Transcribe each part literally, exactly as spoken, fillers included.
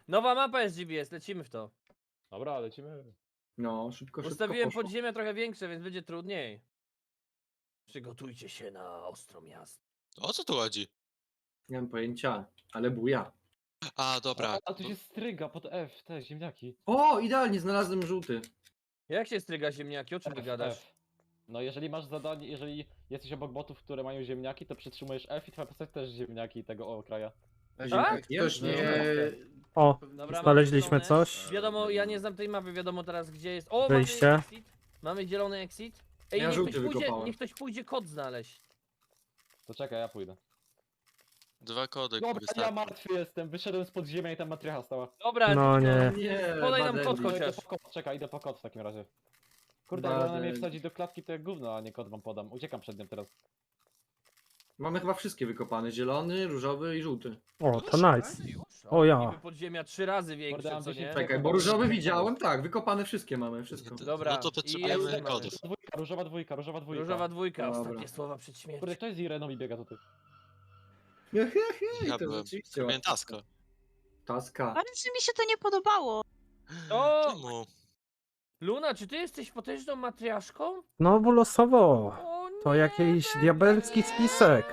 Nowa mapa jest G B S, lecimy w to. Dobra, lecimy. No, szybko, szybko Ustawiłem poszło. podziemia trochę większe, więc będzie trudniej. Przygotujcie się na ostro miasto. O co tu chodzi? Nie mam pojęcia, ale buja. A, dobra. A, a tu się stryga pod F, te ziemniaki. O, idealnie, znalazłem żółty. Jak się stryga ziemniaki? O czym ty F, gadasz? F. No jeżeli masz zadanie, jeżeli jesteś obok botów, które mają ziemniaki, to przytrzymujesz F i twoja postać też ziemniaki tego kraja. Tak? Ktoś nie... O, Dobra, mamy znaleźliśmy zielone. coś. Wiadomo, ja nie znam tej mapy, wiadomo teraz gdzie jest. O, Wyjście. mamy exit. Mamy zielony exit. Ej, Ja niech, żółty ktoś pójdzie, wykopałem. niech ktoś pójdzie kod znaleźć. To czekaj, ja pójdę. Dwa kody Dobra, ja wystarczą. martwy jestem, wyszedłem z podziemia i tam matrycha stała. Dobra, No nie. Nie, Podaj nam kod Badendi. No, idę chociaż. po kod, czekaj, idę po kod w takim razie. Kurde, jak ona mnie Badendi. wsadzi do klatki, to jak gówno, a nie kod wam podam. Uciekam przed nią teraz. Mamy chyba wszystkie wykopane. Zielony, różowy i żółty. O, to nice. O ja. Niby podziemia trzy razy większe, Kurde, mam co nie? dziesięć Czekaj, bo różowy widziałem, tak, wykopane wszystkie mamy, wszystko. Dobra, No to i potrzebujemy jest- kodów. Dwójka, różowa dwójka, różowa dwójka. Różowa dwójka, Dobra. ostatnie słowa przed śmiercią. Kurde, kto jest z Ireną i biega tutaj? He, he, he, Ja to byłem. rzeczywiście Miałem łatwo. tasko. Taska. Bardzo mi się to nie podobało. O! Czemu? Luna, czy ty jesteś potężną matriaszką? Znowu losowo. O nie, To jakiś Berta! diabelski spisek.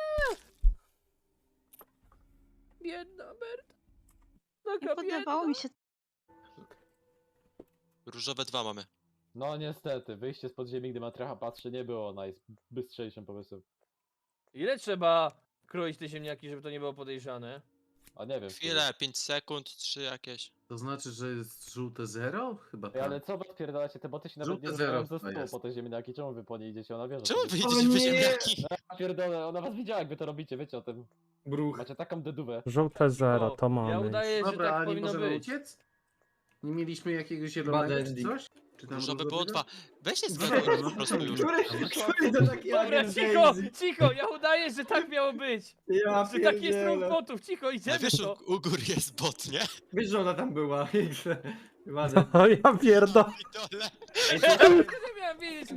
Biedna Berta. Nie Taka podobało biedna. mi się. Różowe dwa mamy. No niestety, wyjście z podziemi, gdy matrycha patrzy, nie było najbystrzejszym pomysłem. Ile trzeba kroić te ziemniaki, żeby to nie było podejrzane? A nie wiem. Chwilę, pięć sekund, trzy jakieś. To znaczy, że jest żółte zero? Chyba Ej, tak. ale co wy odpierdalacie, te boty się nawet Żółte nie zero rozmawiają ze to stół jest. po te ziemniaki, czemu wy po nie idziecie, ona wie, że Czemu to wy jest- idziecie po nie! ziemniaki? Ja pierdolę, ona was widziała jak wy to robicie, wiecie o tym. Bruch. Macie taką dedówę. Żółte zero, to Ja mamy. udaję, że Dobra, tak a nie powinno możemy być. uciec? Nie mieliśmy jakiegoś zielonego czy Badendi. coś? Czy tam Różowe było różowego? dwa. Weź się zgadnij po prostu już. Który, który to taki Dobra, agent cicho, Daisy? cicho, ja udaję, że tak miało być. Ja Że taki jest ruch pierdzielę. botów, cicho, Ale idziemy wiesz, w to. u, u góry jest bot, nie? Wiesz, że ona tam była. Ładnie. O ja pierdolę. I dole. Ej, Nie miałem wiedzieć.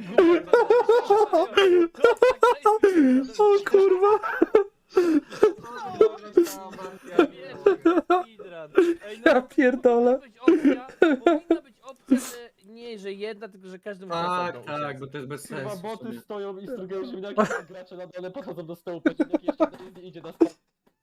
O kurwa. Ej, no, Ja pierdolę. powinna być opcja, powinna być opcja, że nie, że jedna, tylko że każdy może Tak, osobno tak, uciec. bo to jest bez Chyba sensu. w boty sumie. stoją i strugają ziemniaki, a gracze na dole podchodzą do stołu, po ziemniaki jeszcze Daisy idzie na stoł.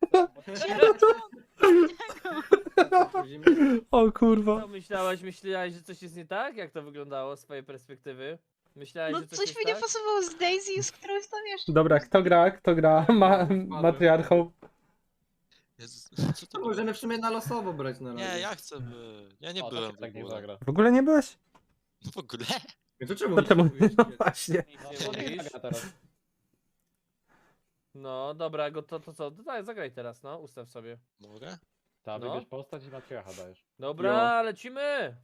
O kurwa. Co myślałaś, myślałaś, że coś jest nie tak? Jak to wyglądało z twojej perspektywy? Myślałaś, No że coś, coś jest mi nie tak? pasowało z Daisy, z którąś tam jeszcze. Dobra, kto gra? Kto gra? Ma matriarchą. Jezus, co to To było? możemy w sumie na losowo brać na razie. Nie, ja chcę by... Ja nie O, to byłem się w tak nie ogóle. zagra. W ogóle nie byłeś? No w ogóle? No to czemu To nie czemu? kupujesz? No właśnie. Nic No, nie to nie mówisz. zagra teraz. No dobra, go to, to co? To daj, zagraj teraz, no, ustaw sobie. Mogę? Ta, No. wybierz postać i matrycha dajesz. Dobra, lecimy!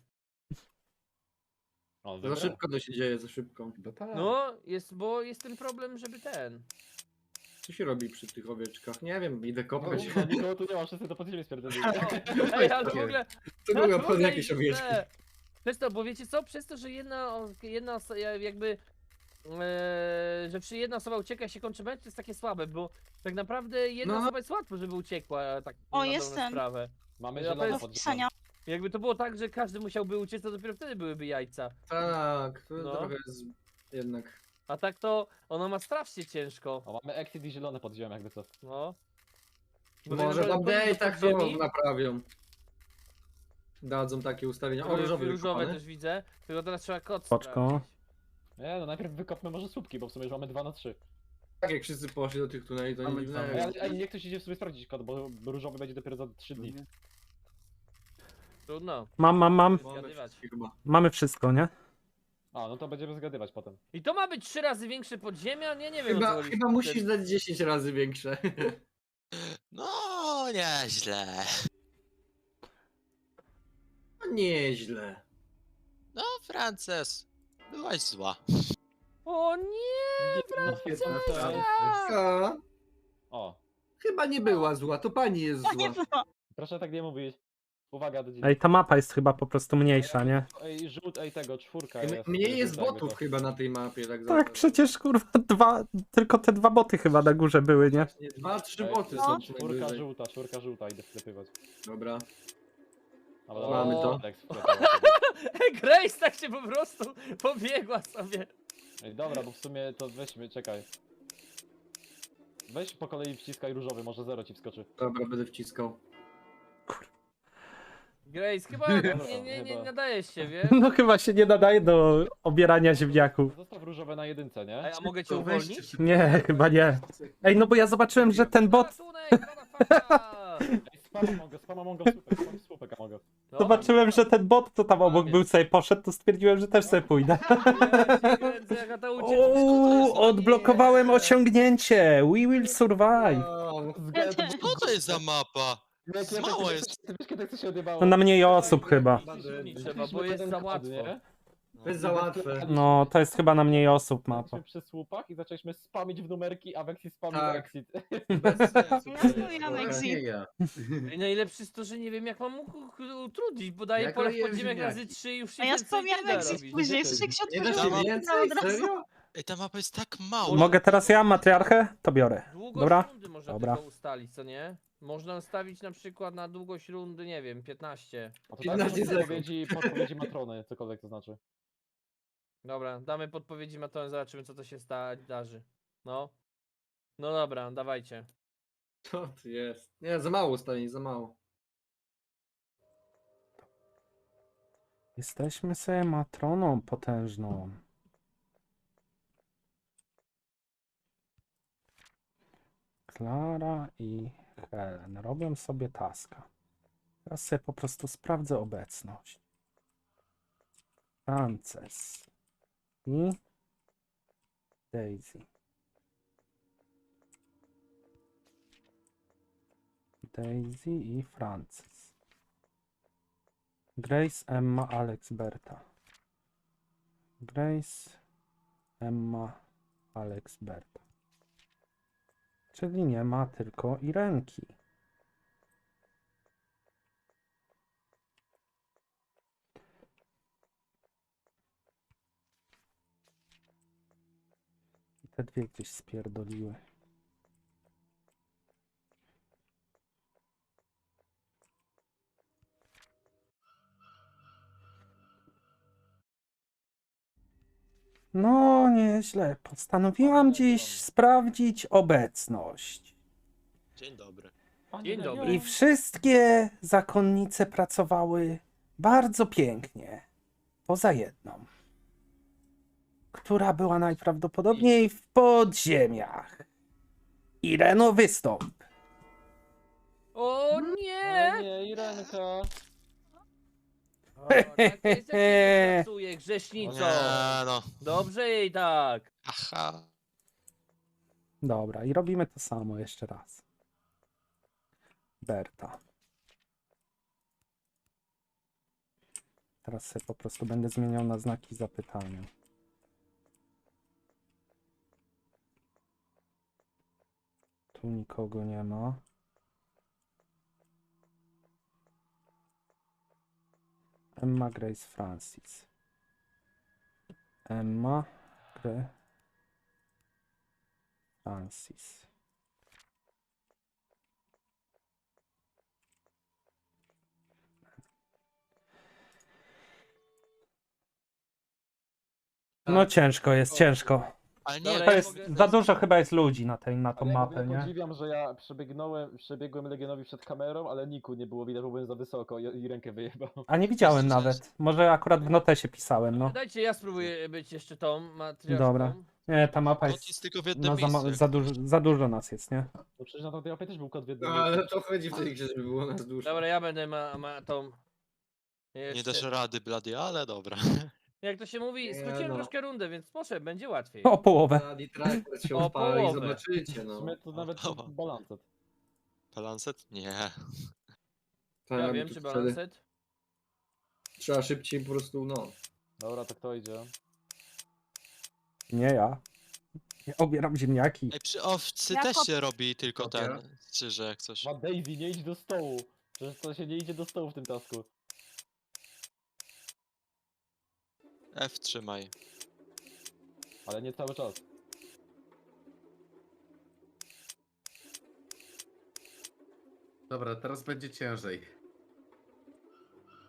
O, Za wybrał. szybko to się dzieje, za szybko. Chyba tak. No, jest, bo jest ten problem, żeby ten. Co się robi przy tych owieczkach? Nie wiem, idę No, kopać. no, nikogo tu nie ma, wszyscy to podziemie spierdolili. Ej, ale w ogóle... To tak, były w obchody ogóle jakieś źle. owieczki. Przez to, bo wiecie co? Przez to, że jedna, o- jedna oso- ja- jakby... e, że przy jedna osoba ucieka i się kończy mecz, to jest takie słabe, bo tak naprawdę jedna No. osoba jest łatwo, żeby uciekła, tak O, na dobrą jestem. sprawę. Mamy Ja zielone bez Do podziemie. wpisania. Jakby to było tak, że każdy musiałby uciec, to dopiero wtedy byłyby jajca. Tak, to No. trochę jest jednak. A tak to ono ma strasznie ciężko. O, mamy exit i zielone podziemie, jakby co. No. Może w na- update'ach to podziemi? naprawią. Dadzą takie ustawienia. O, różowy Różowe wykopany. też widzę, tylko teraz trzeba kod Spoczko. sprawdzić. Nie, no najpierw wykopmy może słupki, bo w sumie już mamy dwa na trzy. Tak jak wszyscy poszli do tych tuneli, to nie Mamy dziwne. dwa. Ej, ale ej, niech ktoś idzie w sobie sprawdzić kod, bo różowy będzie dopiero za trzy dni. Trudno. Mam, mam, mam. Mamy zgadywać. wszystkie chyba. Mamy wszystko, nie? A, no to będziemy zgadywać potem. I to ma być trzy razy większe podziemia? Nie, nie wiem o co Chyba, chodzi. chyba musisz dać dziesięć razy większe. No, nieźle. No nieźle. No, Frances. Byłaś zła. O nie! No, piętnaście. to- A, O, chyba nie była zła, to pani jest To nie zła. było. proszę tak nie mówić. Uwaga do dzieci. Ej, ta mapa jest chyba po prostu mniejsza, nie? Ej, żółt, ej tego, czwórka M- jest. Mniej jest żółta jakby botów co. chyba na tej mapie, tak Tak, za- przecież kurwa dwa, tylko te dwa boty chyba na górze były, nie? Nie, Dwa, trzy Ej, boty no. są Czwórka najwyżej. żółta, czwórka żółta, idę sklepywać. Dobra. Dobra, Mamy to. Alex wklepał sobie. Grace tak się po prostu pobiegła sobie. Ej, dobra, bo w sumie to weźmy, czekaj. Weź po kolei wciskaj różowy, może zero ci wskoczy. Dobra, będę wciskał. Grace, chyba nie, nie, nie chyba. nadajesz się, wiesz? No chyba się nie nadaje do obierania ziemniaków. Zostaw różowe na jedynce, nie? Ej, a mogę cię To weźcie uwolnić? szybko. Nie, chyba nie. Ej, no bo ja zobaczyłem, że ten bot... Ratunek, motherfucker! Ej, spama mogę, spama mogę, słupek, spam słupek mogę. No, Zobaczyłem, że ten bot, co tam obok był, sobie poszedł, to stwierdziłem, że też sobie pójdę. ja cię kręcę, jaka ta ucieczka. Uuu, odblokowałem osiągnięcie! We will survive! Co to jest za mapa? Mało jest. Ty wiesz, kiedy to się odjebało? No na mniej osób chyba. Nie trzeba, bo jest za łatwo. To jest za łatwe. No, to jest chyba na mniej osób mapa. Byliśmy przy słupach i zaczęliśmy spamić w numerki, a Vexi spamił Tak. exit. Bez sensu. Ja spamiłam Dobra. exit. Nie ja. Ej, najlepsze jest to, że nie wiem jak mam u- u- utrudnić, bo daję Jak pole w robiłem podziemek ziemniaki. razy trzy i już się A ja więcej wspomniałam nie da exit robić. później, jeszcze jak się Nie da otworzyło, się to więcej? od razu. Serio? Ej, ta mapa jest tak mała. Mogę teraz ja matriarchę? To biorę. Długość Dobra? rundy można Dobra. tylko ustalić, co nie? Można ustawić na przykład na długość rundy, nie wiem, piętnaście. A to piętnaście tak, sekund. podpowiedzi, podpowiedzi matrony, cokolwiek to znaczy. Dobra, damy podpowiedzi Matone, zobaczymy co to się sta darzy. No. No dobra, dawajcie. Co to jest? Nie, za mało ustawień, za mało. Jesteśmy sobie matroną potężną. Klara i Helen robią sobie taska. Teraz sobie po prostu sprawdzę obecność. Frances i Daisy. Daisy i Frances. Grace, Emma, Alex, Berta. Grace, Emma, Alex, Berta. Czyli nie ma tylko Irenki. I te dwie gdzieś spierdoliły. No, nieźle. Postanowiłam dziś sprawdzić obecność. Dzień dobry. Dzień dobry. I wszystkie zakonnice pracowały bardzo pięknie. Poza jedną, która była najprawdopodobniej w podziemiach. Ireno, wystąp. O nie! O nie, Irenka. O, tak jest, jak się nie pracuje, grzesznico. Nie no. Dobrze jej tak. Aha. Dobra, i robimy to samo jeszcze raz. Berta. Teraz sobie po prostu będę zmieniał na znaki zapytania. Tu nikogo nie ma. Emma, Grace, Francis. Emma, Grace, Francis. No ciężko jest, ciężko. Ale nie, Dobra, To ja jest, mogę- za dużo chyba jest ludzi na, tej, na tą Ale ja w mapę, ogóle nie? podziwiam, że ja przebiegnąłem, przebiegłem Legionowi przed kamerą, ale Niku nie było widać, bo byłem za wysoko i, i rękę wyjebał. A nie widziałem Jest nawet. Może akurat w notesie pisałem, no. Dajcie, ja spróbuję być jeszcze tą matriarchą. Dobra. Nie, ta mapa kot jest... jest tylko w jednym No, za, ma- miejscu. za, dużo, za dużo nas jest, nie? No przecież na tamtej mapie też był kod w No, jednym ale to chodzi w tej grze, żeby było nas dużo. Dobra, ja będę ma, ma tą... Nie Jeszcze. dasz rady, blady, ale dobra. Jak to się mówi, Nie, skróciłem no. troszkę rundę, więc może będzie łatwiej. O połowę. Bloody Tracker się O odpala i połowę. zobaczycie, W no. sumie to nawet Dobra. balancet. Balancet? Nie. Tak, Ja bo wiem, tu czy wtedy balanset. Trzeba szybciej po prostu, no. Dobra, to kto idzie? Nie ja. Ja obieram ziemniaki. Ej, przy owcy Ja też pop- się robi tylko Dobra. ten, czy jak coś. Ma Daisy, nie idź do stołu. Przecież to się nie idzie do stołu w tym tasku. F trzymaj. Ale nie cały czas. Dobra, teraz będzie ciężej.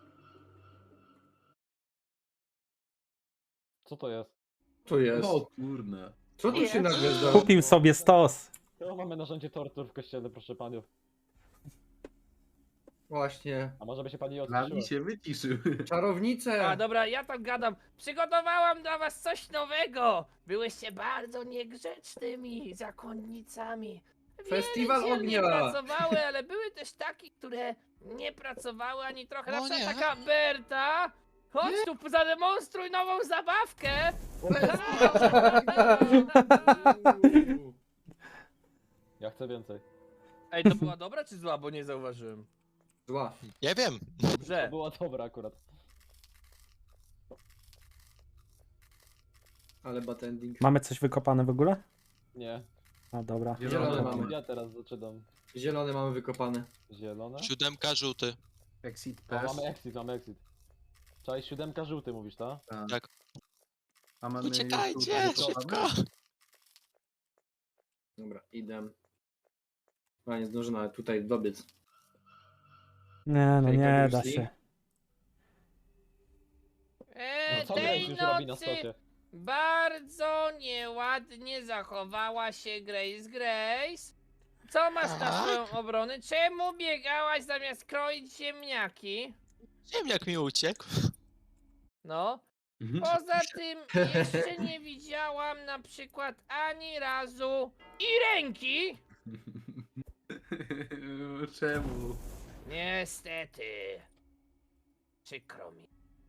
Co to jest? Tu jest. O kurna. Co tu się Jest. nagle zdarzyło? Kupił sobie stos. To mamy narzędzie tortur w kościele, proszę panów. Właśnie. A może by się pani Dla odciszyła? mnie się wyciszył. Czarownice! A dobra, ja tam gadam. Przygotowałam dla was coś nowego. Byłyście bardzo niegrzecznymi zakonnicami. Festiwal Wiele dziel ognia. nie pracowały, ale były też takie, które nie pracowały ani trochę. Na O przykład nie. taka Berta. Chodź tu, zademonstruj nową zabawkę. Ja chcę więcej. Ej, to była dobra czy zła, bo nie zauważyłem. Zła. Nie wiem. To Dobrze. była dobra akurat. Ale bad ending. Mamy coś wykopane w ogóle? Nie. No dobra. Zielone Ja- mamy. Ja teraz zaczynam. Zielone mamy wykopane. Zielone? Siódemka, żółty. Exit O, też. mamy exit, mamy exit. Czaj, siódemka żółty mówisz, tak? Tak. A mamy Uciekajcie, już tu- szybko. Dobra, idę. A nie zdążę nawet tutaj dobiec. Nie, no Hejka, nie Bruce da Lee. się. E, No co tej Grace już robi na nocy stosie? bardzo nieładnie zachowała się Grace Grace. Co masz na Tak? swoją obronę? Czemu biegałaś zamiast kroić ziemniaki? Ziemniak mi uciekł. No. Mhm. Poza tym jeszcze nie widziałam na przykład ani razu i ręki. Czemu? Niestety. Przykro mi.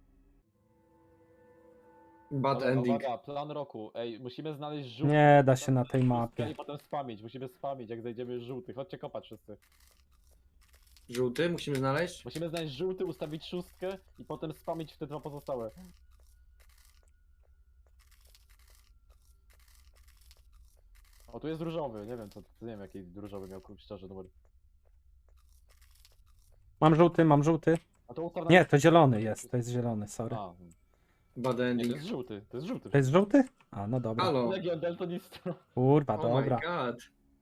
Bad Dobra, ending. Uwaga, plan roku. Ej, musimy znaleźć żółty. Nie da się na tej Szóstkę mapie. I potem spamić, musimy spamić, jak znajdziemy żółty. Chodźcie kopać wszyscy. Żółty musimy znaleźć. Musimy znaleźć żółty, ustawić szóstkę i potem spamić w te dwa pozostałe. O, tu jest różowy, nie wiem co, nie wiem jaki różowy miał szczerze numer. Mam żółty, mam żółty. A to ustaw na- Nie, to zielony jest, to jest zielony, sorry. A, Bad nie, to ending. jest żółty, to jest żółty. To jest żółty? A, no dobra. Halo. Legion Deltonistro. Kurwa, Oh my dobra. god.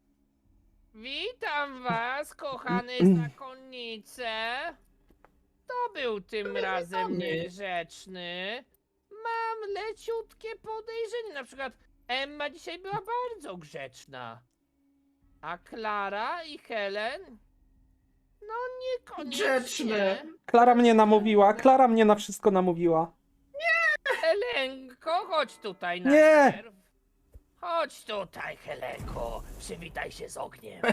Witam was, kochane zakonnice. To był tym razem witamy. niegrzeczny. Mam leciutkie podejrzenie. Na przykład Emma dzisiaj była bardzo grzeczna. A Klara i Helen? No niekoniecznie. Grzeczne. Klara mnie namówiła, Klara mnie na wszystko namówiła. Helenko, chodź tutaj Nie. najpierw. Chodź tutaj, Helenko. Przywitaj się z ogniem.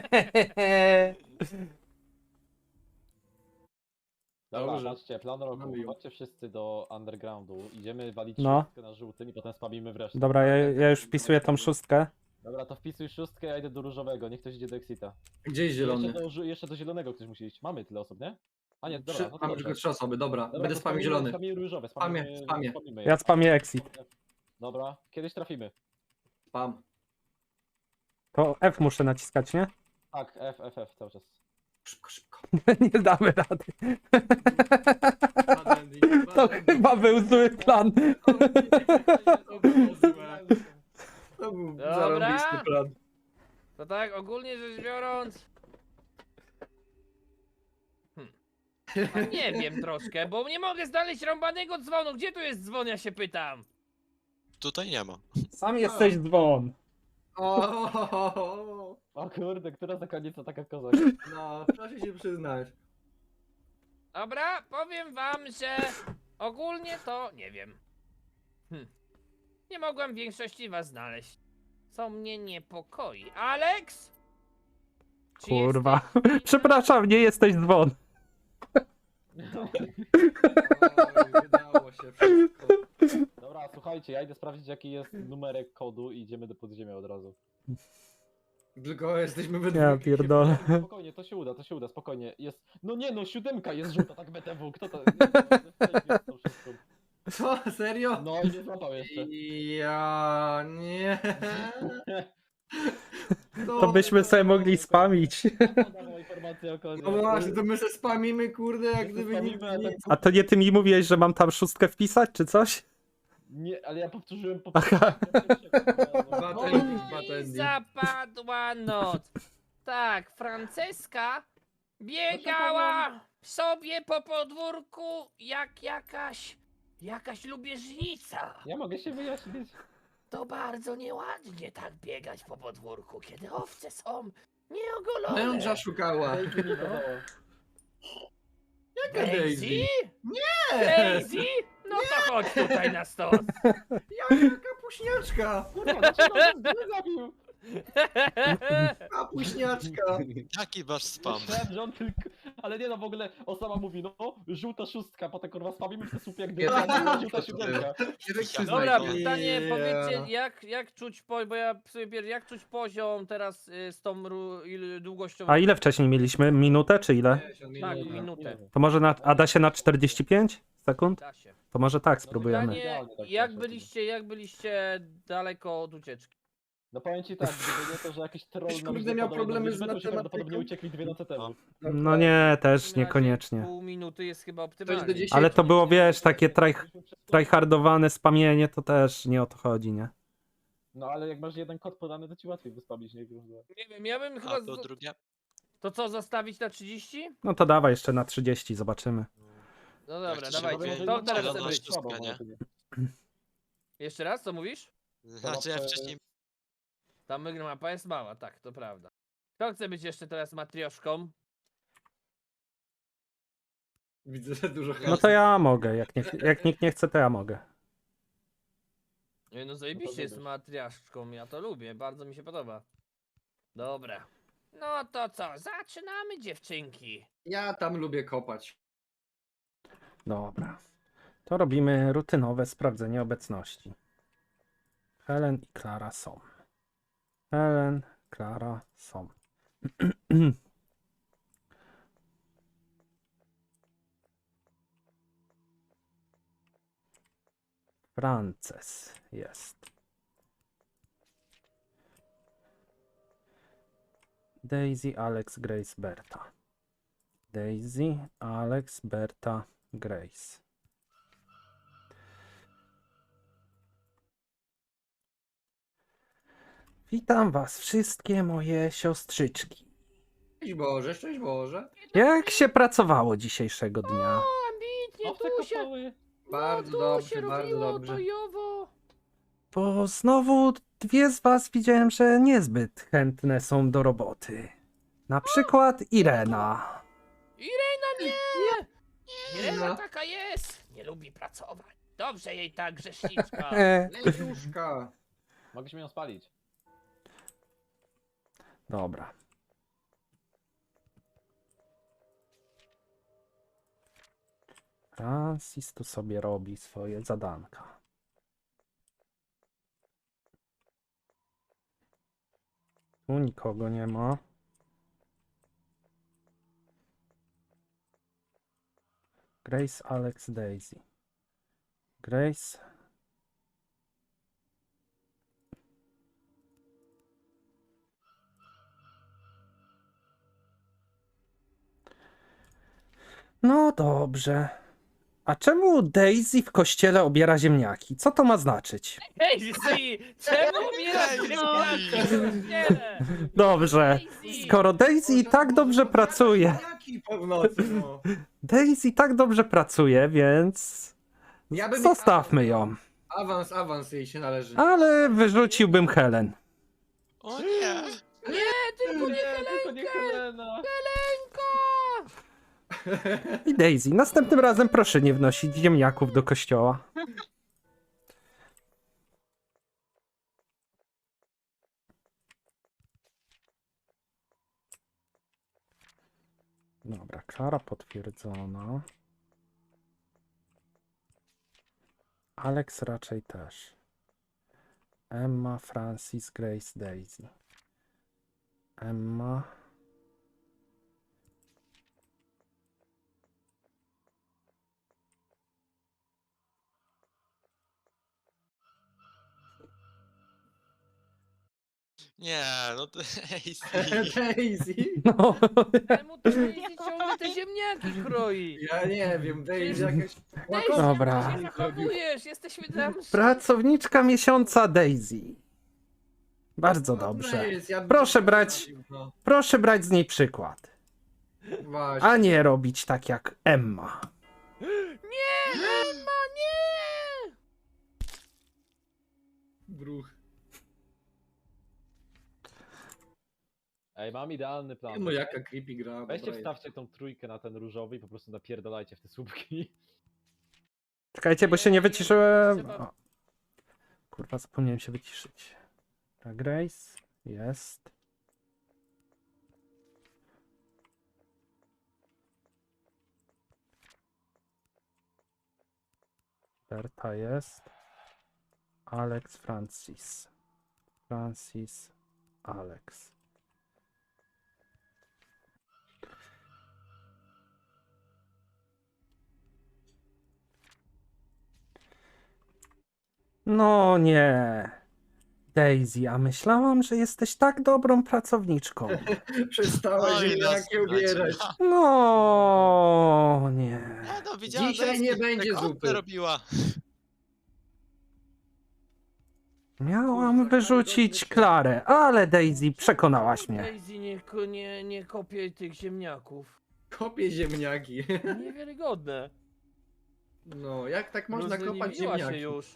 Dobra, Dobrze. patrzcie, plan roku. Mamy ją. Chodźcie wszyscy do undergroundu. Idziemy walić No. szóstkę na żółtym i potem spamimy wreszcie. Dobra, ja, ja już wpisuję tą szóstkę. Dobra, to wpisuj szóstkę, ja idę do różowego, niech ktoś idzie do Exita. Gdzie jest zielony? Jeszcze do, żu- jeszcze do zielonego ktoś musi iść. Mamy tyle osób, nie? A nie, dobra, Trzy, no to mamy dobrze. tylko trzy osoby, dobra. Dobra, Będę to spamił spamimy- zielony. Spamimy różowe, Spamię, spamimy, spamię. spamimy je. Ja spamię exit. Dobra, kiedyś trafimy. Spam. To F muszę naciskać, nie? Tak, F, F, F cały czas. Szybko, szybko. Nie damy rady. Bad ending, bad To ending. chyba był zły plan. To było złe. To był Dobra. zarąbisty plan. To tak, ogólnie rzecz biorąc. Hmm. A nie wiem troszkę, bo nie mogę znaleźć rąbanego dzwonu. Gdzie tu jest dzwon, ja się pytam? Tutaj nie ma. Sam jesteś dzwon. O, O kurde, która zakonnica taka kozak? no, proszę się przyznać. Dobra, powiem wam, że ogólnie to nie wiem. Hm. Nie mogłem w większości was znaleźć. Co mnie niepokoi. Alex? Czy Kurwa. jesteś- Przepraszam, nie jesteś dzwon. Oj, wydało się wszystko. Dobra, słuchajcie, ja idę sprawdzić jaki jest numerek kodu i idziemy do podziemia od razu. Tylko jesteśmy we Ja dwójkę. pierdolę. Spokojnie, to się uda, to się uda, spokojnie. Jest. No nie no, siódemka jest żółta, tak B T W, kto to. jest tą szóstką? Co? Serio? No i nie złapał jeszcze. Ja nie. To byśmy sobie mogli spamić. Podawała informację o kodzie. No właśnie, to my se spamimy, kurde, jak My gdyby nic spamimy, a nie... tak- A to nie ty mi mówiłeś, że mam tam szóstkę wpisać, czy coś? Nie, ale ja powtórzyłem po Aha. Bad No, ending, bad I ending. zapadła noc. Tak, Franceska biegała sobie po podwórku jak jakaś Jakaś lubieżnica. Ja mogę się wyjaśnić. To bardzo nieładnie tak biegać po podwórku, kiedy owce są nieogolone. Męża szukała. Daisy mi dawało. Jaka Daisy? Nie! Daisy? No to chodź tutaj na stos. Jaka kapuśniaczka? Kurwa, dlaczego on mnie zabił? Kapuśniaczka. Jaki wasz spam? Myślałem, że on tylko... Ale nie no, w ogóle Osama mówi, no, żółta szóstka, potem kurwa spamimy w te słupie jak Ja gdyby, tak- żółta siódemka. Dobra, Znajdę. pytanie, Ja. powiedzcie, jak, jak czuć po, bo ja sobie pier- jak czuć poziom teraz y, z tą ru, il, długością? A ile wcześniej mieliśmy? Minutę czy ile? Tak, Nie, nie, minutę. nie. To może na, a da się na czterdzieści pięć sekund? Da się. To może tak No spróbujemy. Pytanie, Idealnie tak jak poszło. byliście, jak byliście daleko od ucieczki? No powiem ci tak, gdyby nie to, że jakiś troll Ktoś, nam kurde, źle miał podał problemy jedną z liczbę, to się matematyką? prawdopodobnie uciekli dwie noce temu. No nie, W też takim razie niekoniecznie. Pół minuty jest chyba Ktoś do optymalnie. dziesięciu. Ale to było, wiesz, takie try, tryhardowane spamienie, to też nie o to chodzi, nie? No ale jak masz jeden kod podany, to ci łatwiej wyspamić, nie? Nie wiem, ja bym chyba... A to z- drugie? To co, zostawić na trzydzieści? No to dawaj jeszcze na trzydzieści, zobaczymy. No Jak dobra, to się dawajcie. robi? To No, teraz no, chce no, być. szóstka, nie? Jeszcze raz, co mówisz? Znaczy ja wcześniej... Ta mapa jest mała, tak, to prawda. Kto chce być jeszcze teraz matrioszką? Widzę, że dużo No to ja mogę, jak, nie, jak nikt nie chce, to ja mogę. Nie, no zajebiście jest wybierz. matriaszką, ja to lubię, bardzo mi się podoba. Dobra. No to co, zaczynamy dziewczynki. Ja tam lubię kopać. Dobra. To robimy rutynowe sprawdzenie obecności. Helen i Klara są. Helen, Klara są. Frances jest. Daisy, Alex, Grace, Berta. Daisy, Alex, Berta, Grace. Witam was wszystkie moje siostrzyczki. Szczęść Boże, szczęść Boże. Jak się pracowało dzisiejszego dnia? O, ambitnie, Owce tu się, kopały. Bardzo no, tu dobrze, się bardzo robiło dobrze. bojowo. Bo znowu dwie z was widziałem, że niezbyt chętne są do roboty. Na przykład Irena. Irena nie! Irena No. taka jest, nie lubi pracować. Dobrze jej tak, grzeszniczka. E, Leciuszka. Mogliśmy ją spalić. dobra. Francis tu sobie robi swoje zadanka. Tu nikogo nie ma. Grace, Alex, Daisy. Grace. No dobrze. A czemu Daisy w kościele obiera ziemniaki? Co to ma znaczyć? Hej, Zee, czemu umierasz Hej, ziemniaki? Dobrze. Skoro Daisy i tak dobrze pracuje, Jaki po w nocy, no. Daisy tak dobrze pracuje, więc Ja bym- zostawmy ją. Awans, awans jej się należy. Ale wyrzuciłbym Helen. O nie! Tylko nie Nie, tylko nie Helena. I Daisy, następnym razem proszę nie wnosić ziemniaków do kościoła. Dobra, Klara potwierdzona. Alex raczej też. Emma, Francis, Grace, Daisy. Emma. Nie, no to... Ej, Daisy? No. Czemu to Daisy ciągle te ziemniaki kroi? Ja nie wiem, Daisy jakaś... Daisy, Dobra. jak ty się zachowujesz? Jesteśmy tam... Pracowniczka miesiąca Daisy. Bardzo dobrze. Proszę brać- No, Proszę brać z niej przykład. właśnie. A nie robić tak jak Emma. Nie, Emma, nie! Bruch. Ej, mam idealny plan. No jaka creepy gra. Weźcie, dobra jest. wstawcie tą trójkę na ten różowy i po prostu napierdalajcie w te słupki. Czekajcie, bo się nie wyciszyłem. Trzeba- O. Kurwa, zapomniałem się wyciszyć. Ta Grace jest. Berta jest. Alex, Francis. Francis, Alex. No nie. Daisy, a myślałam, że jesteś tak dobrą pracowniczką. Przestała Oj, ziemniaki nas ubierać. No nie. Nie, no widziałem, Dzisiaj że nie jest- będzie tak zupy. robiła. Miałam Kurwa, wyrzucić karygodny Klarę, ale Daisy przekonałaś mnie. Daisy, nie, ko- nie, nie kopię tych ziemniaków. Kopie ziemniaki. Niewiarygodne. No, jak tak można kopać Rozleniwiła się ziemniaki? już.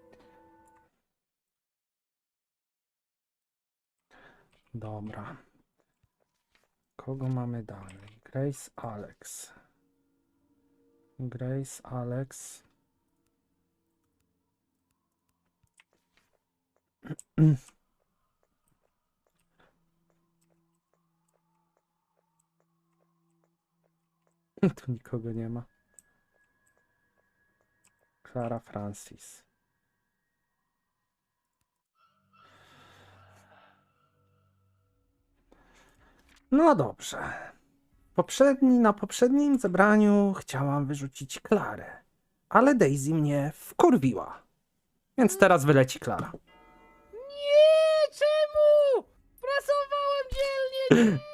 Dobra. Kogo mamy dalej? Grace, Alex. Grace, Alex. Tu nikogo nie ma. Clara Francis. No dobrze. Poprzedni, na poprzednim zebraniu chciałam wyrzucić Klarę, ale Daisy mnie wkurwiła. Więc teraz wyleci Klara. Nie, czemu? Pracowałem dzielnie. Nie.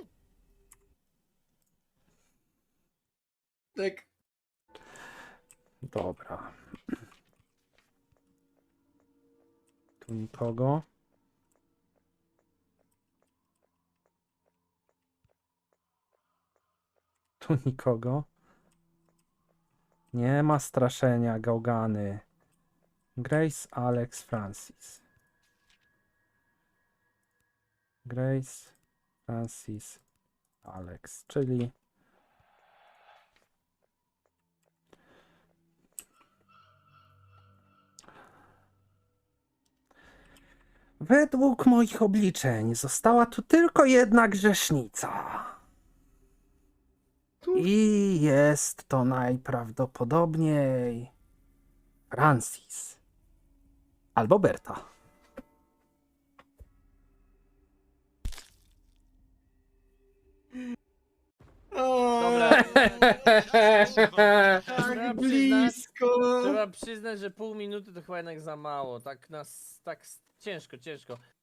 Tak. Dobra. Tu nikogo. Tu nikogo. Nie ma straszenia, gałgany. Grace, Alex, Francis. Grace, Francis, Alex, czyli według moich obliczeń została tu tylko jedna grzesznica. I jest to najprawdopodobniej Francis albo Berta. Dobra. Trzeba Tak przyznać, blisko. trzeba przyznać, że pół minuty to chyba jednak za mało. Tak nas, tak s- ciężko, ciężko.